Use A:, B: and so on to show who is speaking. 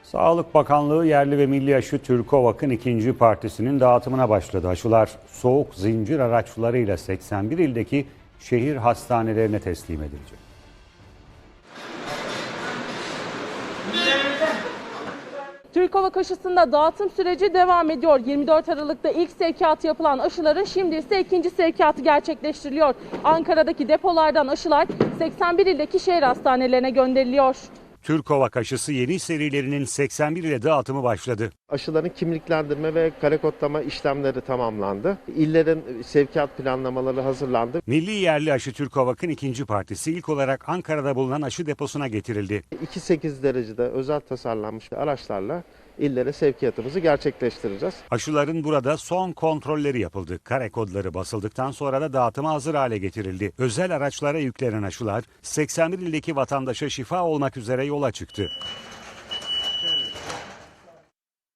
A: Sağlık Bakanlığı yerli ve milli aşı Türkovak'ın ikinci partisinin dağıtımına başladı. Aşılar soğuk zincir araçlarıyla 81 ildeki şehir hastanelerine teslim edilecek.
B: Türkovak aşısında dağıtım süreci devam ediyor. 24 Aralık'ta ilk sevkiyatı yapılan aşıların şimdi ise ikinci sevkiyatı gerçekleştiriliyor. Ankara'daki depolardan aşılar 81 ildeki şehir hastanelerine gönderiliyor.
A: Türkovak aşısı yeni serilerinin 81 ile dağıtımı başladı.
C: Aşıların kimliklendirme ve kare kodlama işlemleri tamamlandı. İllerin sevkiyat planlamaları hazırlandı.
A: Milli yerli aşı Türkovak'ın ikinci partisi ilk olarak Ankara'da bulunan aşı deposuna getirildi.
C: 2.8 derecede özel tasarlanmış araçlarla illere sevkiyatımızı gerçekleştireceğiz.
A: Aşıların burada son kontrolleri yapıldı. Kare kodları basıldıktan sonra da dağıtıma hazır hale getirildi. Özel araçlara yüklenen aşılar 81 ildeki vatandaşa şifa olmak üzere yola çıktı.